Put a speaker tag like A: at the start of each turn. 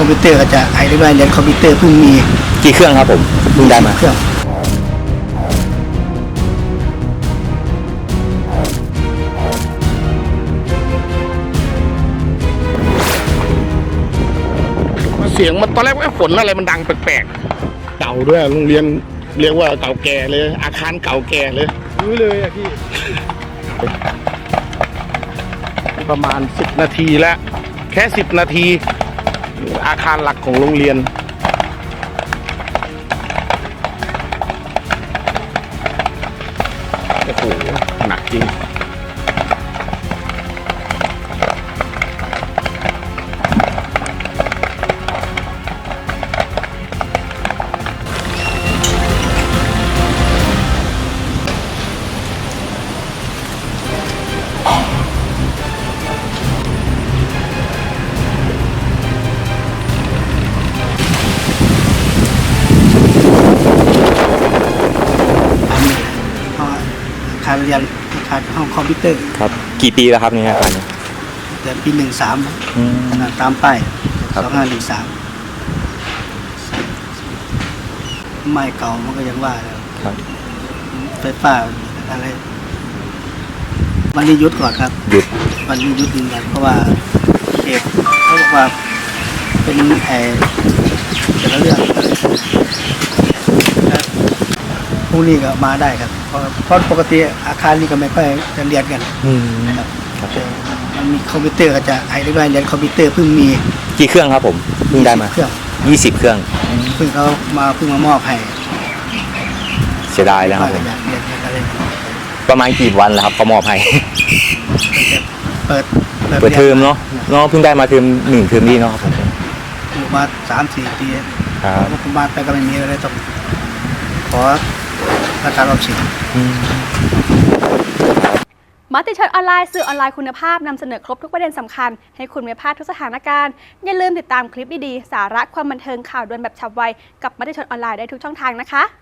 A: อมพิวเตอร์ก็จะให้ได้เรียนคอมพิวเตอร์เพิ่งมี
B: กี่เครื่องครับผมเพิ่งได้มา
A: เครื่อง
C: เสียงมันตอนแรกว่าฝนอะไรมันดังแปลกๆเก่าด้วยโรงเรียนเรียกว่าเก่าแก่เลยอาคารเก่าแก่เลยรู้เลยอะพี่ ประมาณ10 นาทีแล้วแค่10 นาทีอาคารหลักของโรงเรียนโอ้โหหนักจริง
A: อาคารเรียนอาคารห้องคอมพิวเตอร์
B: ครับกี่ปีแล้วครับเนี่ยอาคารนี้
A: แต่ปี13ตามป้าย2513ไม่เก่ามันก็ยังว่าแล้ว
B: ครับ
A: ไฟฟ้าอะไรวันนี้หยุดก่อนครับ
B: หยุด
A: วันนี้หยุดยืนยันเพราะว่าเอกเขาบอกว่าเป็นแต่ละเรื่องพรุ่งนี้ก็มาได้ครับเพราะปกติอาคารนี้ก็ไม่ค่อยจะเรียนกันครับแต่มันมีคอมพิวเตอร์ก็จะให้ได้เรียนคอมพิวเตอร์เพิ่งมี
B: กี่เครื่องครับผมเพิ่งได้มา
A: เครื่อง
B: 20 เครื่อง
A: เพิ่งมามอบให้
B: เสียดายแล้วครับผม
A: อยากเรียนอะไร
B: ประมาณกี่วันแล้วครับเขามอบให้
A: เปิด
B: เปิดเทอมเนาะเพิ่งได้มาเทอม1 เทอมนี้เนาะครับผม
A: อยู่มา3-4 ปี
B: ครับ
A: ผมมาไปก็ไม่มีอะไรต้องขออาจารย์ออมสิน
D: มติชนออนไลน์สื่อออนไลน์คุณภาพนำเสนอครบทุกประเด็นสำคัญให้คุณไม่พลาดทุกสถานการณ์อย่าลืมติดตามคลิปดีๆสาระความบันเทิงข่าวด่วนแบบฉับไวกับมติชนออนไลน์ได้ทุกช่องทางนะคะ